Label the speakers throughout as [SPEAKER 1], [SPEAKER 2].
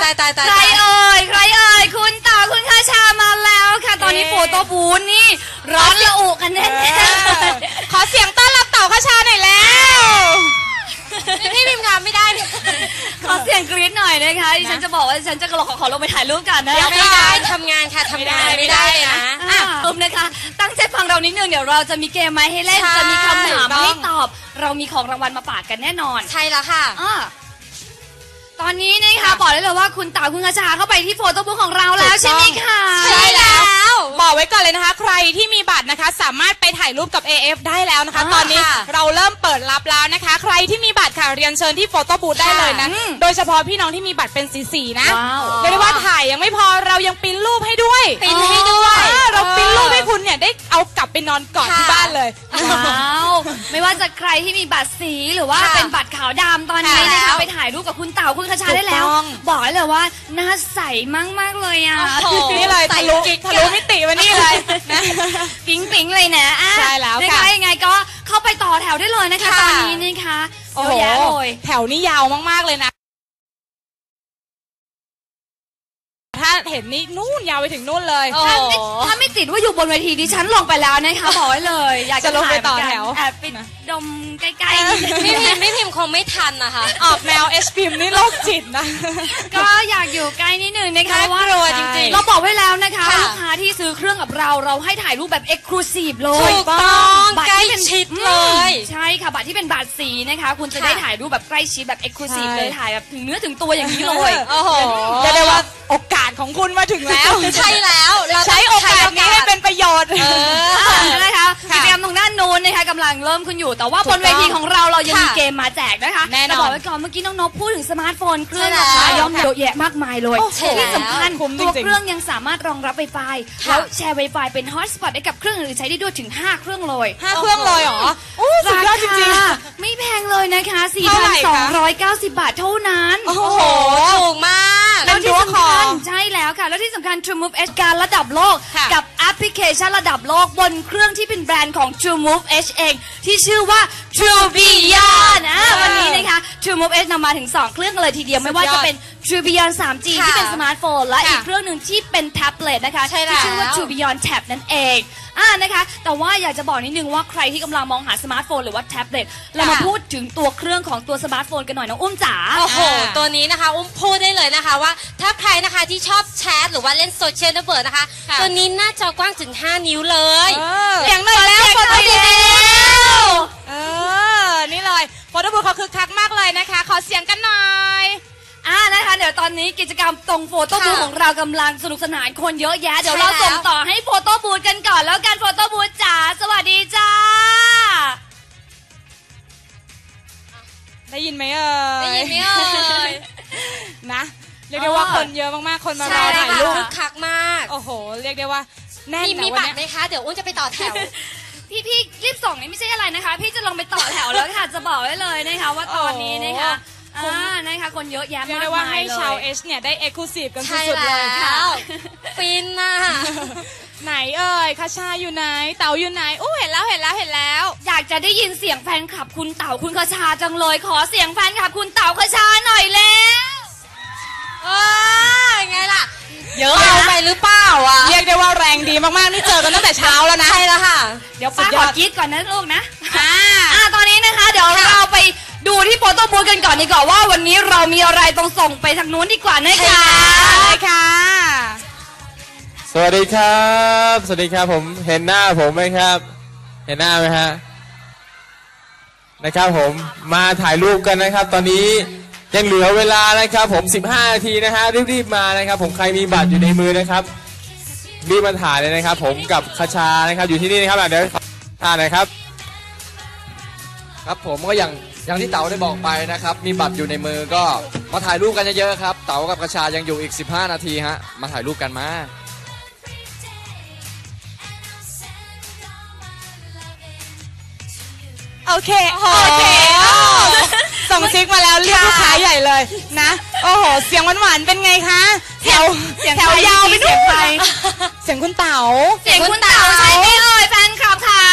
[SPEAKER 1] ใครเอ่ยคุณเต่าคุณคาชามาแล้วค่ะตอนนี้โฟโต้บูธนี่ร้อนระอุกันแน่ๆ
[SPEAKER 2] ขอเสียงต้อนรับเต่าคาชาหน่อยแล้ว
[SPEAKER 1] พี่พิมพ์งานไม่ได้ขอเสียงกรี๊ดหน่อยนะคะดิฉันจะบอกว่าดิฉันจะขอลงไปถ่ายรูปกันนะ
[SPEAKER 3] ไม่ได้ทำงานค่ะทำงานไม่ได้นะ
[SPEAKER 1] นะคะตั้งใจฟังเรานิดนึงเดี๋ยวเราจะมีเกมมาให้เล่นจะมีคำถามให้ตอบเรามีของรางวัลมาฝากกันแน่นอน
[SPEAKER 3] ใช่แล้วค่ะ
[SPEAKER 1] ตอนนี้นะคะบอกได้เลยว่าคุณเต่าคุณคาชาเข้าไปที่โฟโต้บุ๊กของเราแล้วใช่ไหมคะ
[SPEAKER 2] ใช่แล้วบอกไว้ก่อนเลยนะคะใครที่มีบัตรนะคะสามารถไปถ่ายรูปกับ AF ได้แล้วนะคะตอนนี้เราเริ่มเปิดรับแล้วนะคะใครที่มีบัตรค่ะเรียนเชิญที่โฟโต้บูธได้เลยนะโดยเฉพาะพี่น้องที่มีบัตรเป็นสีนะเรียกได้ว่าถ่ายยังไม่พอเรายังปริ้นรูปให้ด้วยเราปริ้นรูปให้คุณเนี่ยได้เอากลับไปนอนกอดที่บ้านเลย
[SPEAKER 1] ไม่ว่าจะใครที่มีบัตรสีหรือว่าเป็นบัตรขาวดำตอนนี้นะคะไปถ่ายรูปกับคุณเต่าคุณคาชาได้แล้วบอกเลยว่าหน้าใสมากเลยอ่ะ
[SPEAKER 2] นี่เลยทะลุมิติมานี่เลยนะ
[SPEAKER 1] ปิ๊งเลยนะ
[SPEAKER 2] ใช่แล้วค่ะ
[SPEAKER 1] ยังไงก็เข้าไปต่อแถวได้เลยนะคะตอนนี้นะคะ
[SPEAKER 2] โอ้โหแถวนี้ยาวมากๆเลยนะถ้าเห็นนี่นู่นยาวไปถึงนู่นเลย
[SPEAKER 1] ถ้าไม่ติดว่าอยู่บนเวทีดิฉันลงไปแล้วนะคะบอกไว้เลยอยากจะ
[SPEAKER 2] ลงไปต่อแถว
[SPEAKER 1] แอบไปดมใกล้
[SPEAKER 3] ๆไม่พิมพ์คงไม่ทันนะคะ
[SPEAKER 2] ออกแนวเอชพิมนี่โรคจิตนะ
[SPEAKER 1] ก็อยากอยู่ใกล้นิดนึงนะคะ
[SPEAKER 3] ว่าจริงๆ
[SPEAKER 1] เราบอกไว้แล้วนะคะลูกค้าที่ซื้อเครื่องกับเราให้ถ่ายรูปแบบเอ็กซ์คลูซีฟเลย
[SPEAKER 3] ถูกต้องใกล้ชิดเลย
[SPEAKER 1] ใช่ค่ะบัตรที่เป็นบัตรสีนะคะคุณจะได้ถ่ายรูปแบบใกล้ชิดแบบเอ็กซ์คลูซีฟเลยถ่ายแบบถึงเนื้อถึงตัวอย่างนี้เลย
[SPEAKER 2] โอ้โหจะได้ว่าโอกาสของคุณมาถึงแล้ว
[SPEAKER 3] ใช่แล้ว
[SPEAKER 2] เราใช้โอกาสนี้ให้เป็นประโยชน์
[SPEAKER 1] นะคะกิจกรรมตรงด้านโน้นนะคะกำลังเริ่มขึ้นอยู่แต่ว่าบนเวทีของเรายังมีเกมมาแจกนะคะ
[SPEAKER 2] แน่นอน
[SPEAKER 1] บอกไว้ก่อนเมื่อกี้น้องนพพูดถึงสมาร์ทโฟนเครื่องราคาย่อมเยอะแยะมากมายเลยที่สำคัญตัวเครื่องยังสามารถรองรับ Wi-Fi แล้วแชร์ Wi-Fi เป็นฮอตสปอตได้กับเครื่องอื่นใช้ได้ด้วยถึง5เครื่องเลย
[SPEAKER 2] 5เครื่องเลยเหรอสุดยอดจริง
[SPEAKER 1] ๆไม่แพงเลยนะคะ 4,290 บาทเท่านั้น
[SPEAKER 3] โอ้โหถูกมาก
[SPEAKER 1] แล้วที่สำคัญใช่แล้วค่ะแล้วที่สำคัญ True Move H การระดับโลกกับแอปพลิเคชันระดับโลกบนเครื่องที่เป็นแบรนด์ของ True Move H เองที่ชื่อว่า True Beyond วันนี้นะคะ True Move H นำมาถึง2เครื่องเลยทีเดียวไม่ว่าจะเป็น True Beyond 3G ที่เป็นสมาร์ทโฟนและอีกเครื่องหนึ่งที่เป็นแท็บเล็ตนะคะที่ชื่อว่า True Beyond Tab นั่นเองนะคะแต่ว่าอยากจะบอกนิดนึงว่าใครที่กำลังมองหาสมาร์ทโฟนหรือว่าแท็บเล็ตเรามาพูดถึงตัวเครื่องของตัวสมาร์ทโฟนกันหน่อยน้องอุ้มจ๋า
[SPEAKER 3] โอ้โหตัวนี้นะคะอุ้มพูดได้เลยนะคะว่าถ้าใครนะคะที่ชอบแชทหรือว่าเล่นโซเชียลเน็ตเวิร์กนะคะตัวนี้หน้าจอกว้างถึง5 นิ้วเลย
[SPEAKER 1] เสียงหน่อยแล้ว
[SPEAKER 2] โฟโต้บูธนี่เลยโฟโต้บูธเขาคึกคักมากเลยนะคะขอเสียงกันหน่อย
[SPEAKER 1] นะคะเดี๋ยวตอนนี้กิจกรรมตรงโฟโต้บูธของเรากำลังสนุกสนานคนเยอะแยะเดี๋ยวเราส่งต่อให้โฟโต้บูธกันก่อนแล้วกันโฟโต้บูธจ๋าสวัสดีจ้า
[SPEAKER 2] ได้ยินไหมเอ่ย
[SPEAKER 3] ได้ยินไหมเอ่ย
[SPEAKER 2] นะเรียกได้ว่าคนเยอะมากๆคนมารอถ่ายรูป
[SPEAKER 3] คึกคักมาก
[SPEAKER 2] โอ้โหเรียกได้ว่าแน่น
[SPEAKER 3] มีบัตรไหมคะเดี๋ยวอุ้นจะไปต่อแถว
[SPEAKER 1] พี่รีบส่งนี่ไม่ใช่อะไรนะคะพี่จะลงไปต่อแถวแล้วค่ะจะบอกไว้เลยนะคะว่าตอนนี้นะคะนะคะคนเยอะแยะมากมายเลย
[SPEAKER 2] เรียกได้ว่าให้ชาวเอชเนี่ยได้เอ็กซ์คลูซีฟกันสุดๆเลยค่ะ
[SPEAKER 3] ฟินน่ะ
[SPEAKER 2] ไหนเอ่ยคาชาอยู่ไหนเต่าอยู่ไหนเห็นแล้ว
[SPEAKER 1] อยากจะได้ยินเสียงแฟนคลับคุณเต่าคุณคาชาจังเลยขอเสียงแฟนคลับคุณเต่าคาชาหน่อยแล้ว
[SPEAKER 3] ไงล่ะเยอะไปหรือเปล่า
[SPEAKER 2] เรียกได้ว่าแรงดีมากๆนี่เจอกันตั้งแต่เช้าแล้วนะ
[SPEAKER 3] ใช่แล้วค่ะ
[SPEAKER 1] เดี๋ยวป้าขอกรี๊ดก่อนนะลูกนะตอนนี้นะคะเดี๋ยวเราไปดูที่โฟโต้บูธกันก่อนดีกว่าว่าวันนี้เรามีอะไรต้องส่งไปทางนู้นดีกว่านะคะ
[SPEAKER 2] ค่ะ
[SPEAKER 4] สวัสดีครับผมเห็นหน้าผมไหมครับเห็นหน้าไหมฮะนะครับผมมาถ่ายรูปกันนะครับตอนนี้ยังเหลือเวลานะครับผม15 นาทีนะฮะรีบๆมานะครับผมใครมีบัตรอยู่ในมือนะครับรีบมาถ่ายเลยนะครับผมกับคาชานะครับอยู่ที่นี่นะครับเดี๋ยวนะครับ
[SPEAKER 5] ครับผมก็อย่างที่เต๋าได้บอกไปนะครับมีบัตรอยู่ในมือก็มาถ่ายรูปกันเยอะๆครับเต๋ากับคาชายังอยู่อีก15 นาทีฮะมาถ่ายรูปกันมา
[SPEAKER 2] โอเคส่งซิกมาแล้วเรียกลูกค้าใหญ่เลยนะโอ้โหเสียงหวานๆเป็นไงคะแถวยาวไปด้วยเสียงคุณเต๋า
[SPEAKER 1] ใช่ไหมเอ่ยแฟนคลับค่ะ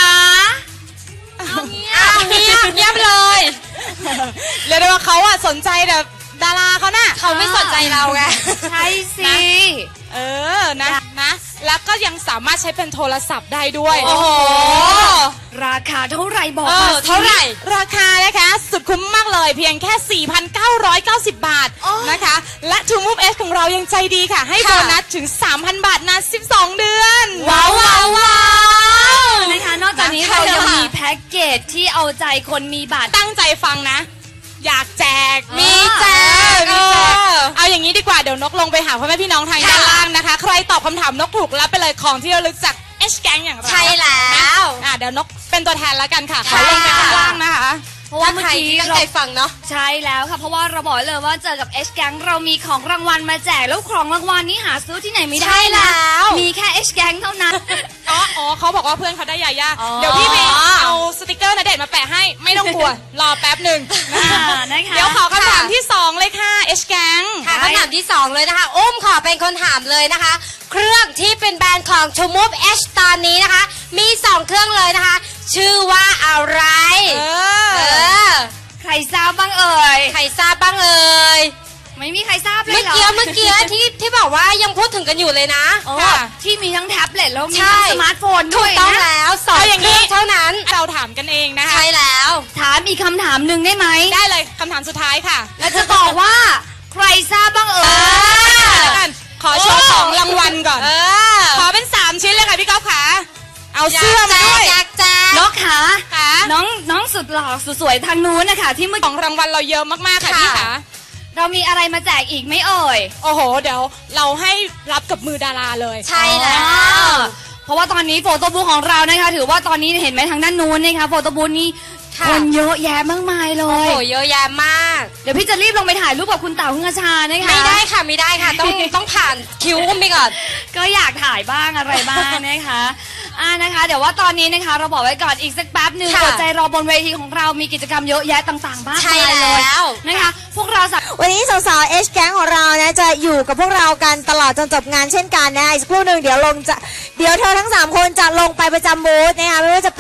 [SPEAKER 3] เงียบเลย
[SPEAKER 2] เรียกได้ว่าเขาสนใจแบบดาราเขาน่ะ
[SPEAKER 3] เขาไม่สนใจเราไง
[SPEAKER 1] ใช่สิ
[SPEAKER 2] นะ แล้วก็ยังสามารถใช้เป็นโทรศัพท์ได้ด้วย
[SPEAKER 3] โอ้โห
[SPEAKER 1] ราคาเท่าไหร่บอกมาสิ
[SPEAKER 3] เท่าไหร่
[SPEAKER 2] ราคานะคะสุดคุ้มมากเลยเพียงแค่ 4,990 บาทนะคะ และ True Move S ของเรายังใจดีค่ะ ให้โบนัสถึง 3,000 บาทนาน12 เดือน
[SPEAKER 1] ว้าวนะคะนอกจากนี้เรายังมีแพ็กเกจที่เอาใจคนมีบัตร
[SPEAKER 2] ตั้งใจฟังนะ อยากแจก
[SPEAKER 1] มีแจก
[SPEAKER 2] เอาอย่างนี้ดีกว่าเดี๋ยวนกลงไปหาพ่อแม่พี่น้องทางด้านล่างนะคะ ใครตอบคำถามนกถูกรับไปเลยของที่ระลึกจาก H Gang อย่างเรา
[SPEAKER 3] ใช่แล้ว
[SPEAKER 2] เดี๋ยวนกเป็นตัวแทนแล้วกันค่ะขอลงไปข้างล่างนะคะ
[SPEAKER 1] เพราะว่าเมื่อ
[SPEAKER 3] ใคร
[SPEAKER 1] กี้
[SPEAKER 3] ที่ตั้ง
[SPEAKER 1] เรา
[SPEAKER 3] ใจฟังเนาะ
[SPEAKER 1] ใช่แล้วค่ะเพราะว่าเราบอกเลยว่าเจอกับ H Gang เรามีของรางวัลมาแจกแล้วของรางวัลนี้หาซื้อที่ไหนไม่ได้
[SPEAKER 3] ใช่แล้
[SPEAKER 1] นะ
[SPEAKER 3] ว
[SPEAKER 1] มีแค่ H Gang เท่านั้น
[SPEAKER 2] อ๋อเขาบอกว่าเพื่อนเขาได้ยาย่า
[SPEAKER 1] อ๋อ
[SPEAKER 2] เดี๋ยวพี่ไปเอาสติกเกอร์ณเดชน์มาแปะให้ไม่ต้องกลัว รอแป๊บหนึ่ง
[SPEAKER 1] นะคะ
[SPEAKER 2] เดี๋ยวขอคำถามที่ 2 เลยค่ะ H Gang
[SPEAKER 3] ค่ะคำถามที่ 2 เลยนะคะอุ้มขอเป็นคนถามเลยนะคะ เครื่องที่เป็นแบรนด์ของ True Move H ตอนนี้นะคะ มี 2 เครื่องเลยนะคะ ชื่อว่าอะไร เออ
[SPEAKER 1] ใครทราบบ้างเอ่ย
[SPEAKER 3] ใครทราบบ้างเอ่ย
[SPEAKER 1] ไม่มีใครทราบเลย
[SPEAKER 3] เมื่อ
[SPEAKER 1] เหรอ
[SPEAKER 3] กี้ที่บอกว่ายังพูดถึงกันอยู่เลยนะ
[SPEAKER 1] โอ้
[SPEAKER 2] ค่ะ
[SPEAKER 1] ที่มีทั้งแท็บเล็ตแล้วมี
[SPEAKER 3] ใช่
[SPEAKER 1] ทั้งสมาร์ทโฟน
[SPEAKER 3] ถู
[SPEAKER 1] ด้ว
[SPEAKER 3] ก
[SPEAKER 1] ย
[SPEAKER 3] ต้อง
[SPEAKER 1] นะ
[SPEAKER 3] แล้วสอง
[SPEAKER 2] เอาอย่าง
[SPEAKER 3] เค
[SPEAKER 2] นี้
[SPEAKER 3] รื่องเท่านั้น
[SPEAKER 2] เราถามกันเองนะคะ
[SPEAKER 3] ใช่แล้ว
[SPEAKER 1] ถามอีกคำถามหนึ่งได้ไหม
[SPEAKER 2] ได้เลยคำถามสุดท้ายค่ะ
[SPEAKER 1] แล้วจะบอกว่าใครทราบบ้างเอ่ย
[SPEAKER 2] แล้วกันขอโชว์ของรางวัลก่อน
[SPEAKER 3] เออ
[SPEAKER 2] ขอเป็น 3 ชิ้นเลยค่ะพี่ก๊อฟขาเอาเสื้อมาด้วย
[SPEAKER 3] อยากแจก
[SPEAKER 1] นกขา
[SPEAKER 2] ค่ะ
[SPEAKER 1] น้องสุดหล่อสุดสวยทางนู้นนะคะที่เมื่อ
[SPEAKER 2] ข
[SPEAKER 1] กี้
[SPEAKER 2] องรางวัลเราเยอะมากๆค่ะพี่ขา
[SPEAKER 1] เรามีอะไรมาแจกอีกไหม่เอ่ย
[SPEAKER 2] โอ้โห เดี๋ยวเราให้รับกับมือดาราเลย
[SPEAKER 3] ใช่แล้ว
[SPEAKER 1] เพราะว่าตอนนี้โฟโต้บูธของเรานะคะ ถือว่าตอนนี้เห็นไหมทางด้านนู้นนะคะโฟโต้บูธนี่
[SPEAKER 3] ค่ะ
[SPEAKER 1] คนเยอะแยะมากมายเล
[SPEAKER 3] โอ้
[SPEAKER 1] ย
[SPEAKER 3] โหเยอะแยะมาก
[SPEAKER 1] เดี๋ยวพี่จะรีบลงไปถ่ายรูปกับคุณเต๋าคุณกระชานะคะ
[SPEAKER 3] ไม่ได้ค่ะไม่ได้ค่ะ ต้องผ่านคิวอุ้มไปก่อน
[SPEAKER 1] ก็อยากถ่ายบ้างอะไรบ้างนะคะนะคะ เดี๋ยวว่าตอนนี้นะคะ เราบอกไว้ก่อนอีกสักแป๊บหนึ่ง
[SPEAKER 3] ค่ะ
[SPEAKER 1] อดใจรอบนเวทีของเรามีกิจกรรมเยอะแยะต่างๆมาก
[SPEAKER 3] ใช่
[SPEAKER 1] มายเลย
[SPEAKER 3] แล้ว
[SPEAKER 1] นะคะ พวกเราสาม
[SPEAKER 6] วันนี้สาวๆ H Gang ของเรานะจะอยู่กับพวกเรากันตลอดจนจบงานเช่นกันนะอีกสักครู่หนึ่งเดี๋ยวเธอทั้ง 3 คนจะลงไปประจำบูธนะคะไม่ว่าจะ